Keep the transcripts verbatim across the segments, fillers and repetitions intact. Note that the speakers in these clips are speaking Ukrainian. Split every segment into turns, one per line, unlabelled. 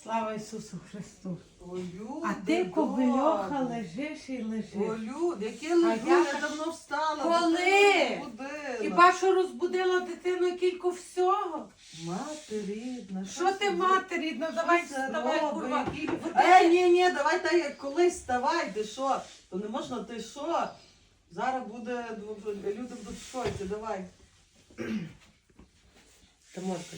Слава Ісусу Христу!
О, люди,
А ти, кобильоха,
добре.
лежиш і лежиш.
О, люди, яке лежу,
я
я
ж-
давно встала.
Коли?
дитину розбудила.
Хіба що розбудила дитину кілько всього?
Мати рідна,
Що ти, мати рідна, давай
Що це
вставай,
робить?
курва.
Які-
Бо ти-
Е, ні, ні, давай та як колись вставай, ти що? То не можна, ти що? Зараз буде, люди будуть в шоці, давай.
Та можна.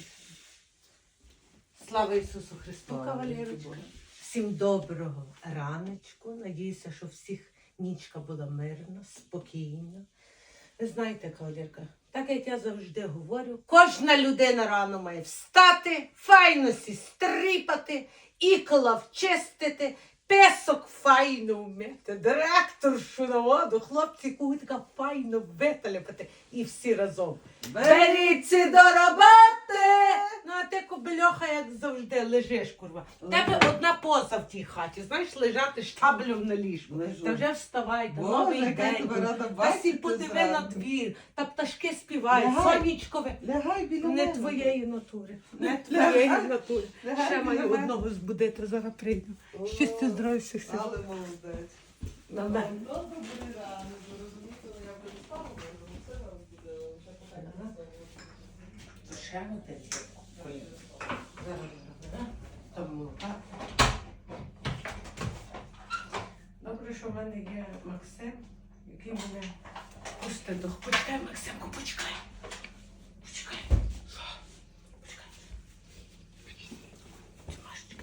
Слава Ісусу Христу,
Слава
кавалерочка.
Богу.
Всім доброго раночку. Надіюся, що всіх нічка була мирна, спокійна. Ви знаєте, кавалерка, так як я завжди говорю, кожна людина рано має встати, файно сі стріпати, ікла вчистити, песок файно вмити, директоршу на воду, хлопці кутика файно виталяпати і всі разом. Беріться до роботи! Ну, а ти, кобильоха, як завжди, лежиш, курва. У тебе одна поза в тій хаті, знаєш, лежати штаблем на ліжку.
Лежу.
Та вже вставай, та
Боже,
новий
яка
день.
тебе рада
Та сі
бачити
подиви
зранку.
на двір, та пташки співають,
Лягай.
сонечкове.
Лягай біля
Не
мене.
твоєї натури, не
Лягай.
твоєї натури.
Лягай
Ще
біля
маю
мене.
одного збудити, зараз прийду.
О,
Щастя, здоров'я, всіх сил.
Але молодець.
На
Ну,
мене.
ну, добрий ранок, ви розумієте, ну, я вже не спала, бо я вже все розбудила, вже
Ага. Ще один коліно. Зараз, зараз, тому так. Добре, що в мене є Максим, який мене пустить до... Почекай, Максимку, почекай. Почекай. Почекай. Тимашечка.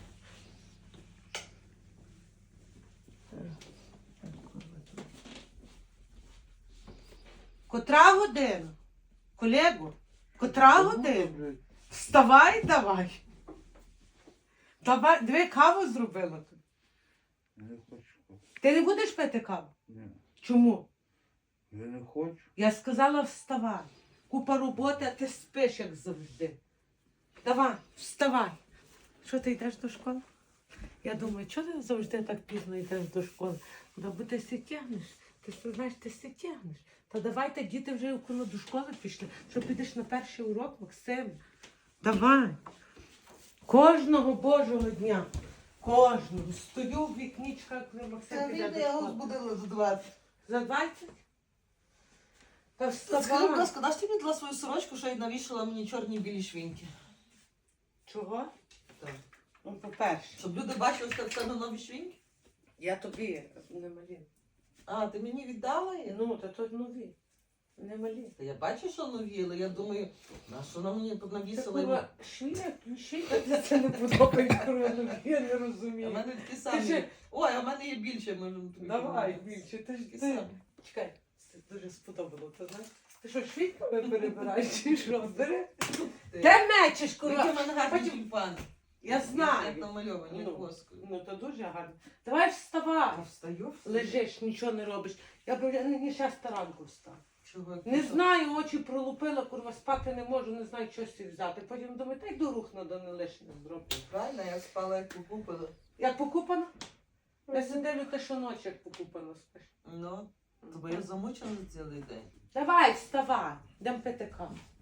Котра година? Колего? Котра година? Вставай давай. Давай, диви, каву зробила тут.
Не хочу.
Ти не будеш пити каву?
Ні.
Чому?
Я не хочу.
Я сказала вставай. Купа роботи, а ти спиш, як завжди. Давай, вставай. Що ти йдеш до школи? Я думаю, чого ти завжди так пізно йдеш до школи? Да бо ти си тягнеш. Ти ж знаєш, ти си тягнеш. Та давайте діти вже коли до школи пішли, що підеш на перший урок, Максим. Давай. Кожного Божого дня. Кожного. Стою в вікнічках, коли Максим
Це
піде
він
до
я його
школи.
збудила за двадцять.
За двадцять? Та
Скажи, будь
вставай.
ласка, даш ти мені дала свою сорочку, що й навішала мені чорні білі швінки?
Чого?
Так.
Ну, по-перше,
Щоб люди бачили, що це на нові швінки?
я тобі не малі.
А, ти мені віддала їх?
Ну, та тут нові. Не малі.
Та я бачу, що нові, але я думаю, на що вона мені тут
Це
навісила?
курва, швіля, ключі, а ти це не подобається, курва, нові, я не
А
розумію.
в мене такі
Ти
самі.
ще-
Ой, а в мене є більше, можемо тобі.
Давай,
підняти.
більше, ти ж
Такі
ти.
самі.
Чекай, це дуже сподобало, ти знаєш? Ти що, швидками перебираєш чи що? Бери.
Ти.
Де мечеш,
Які в
курва?
мене гарні
Потім-
тюльпани.
Я
Як
знаю.
намальовані
Ну,
воскою.
Ну, то дуже гарно. Давай вставай.
Я встаю.
Лежиш, нічого не робиш. Я б я не ще ранку встав.
Чого?
Не знаю, очі пролупила, курва, спати не можу, не знаю, що собі взяти. Потім думаю, та й до рух надо не лишнє зробити.
Правильно, я спала як покупила.
Як покупано? Я сиділю те, що ночі як покупано спиш.
Ну, бо я замучена за цілий день.
Давай, вставай, йдемо пити каву.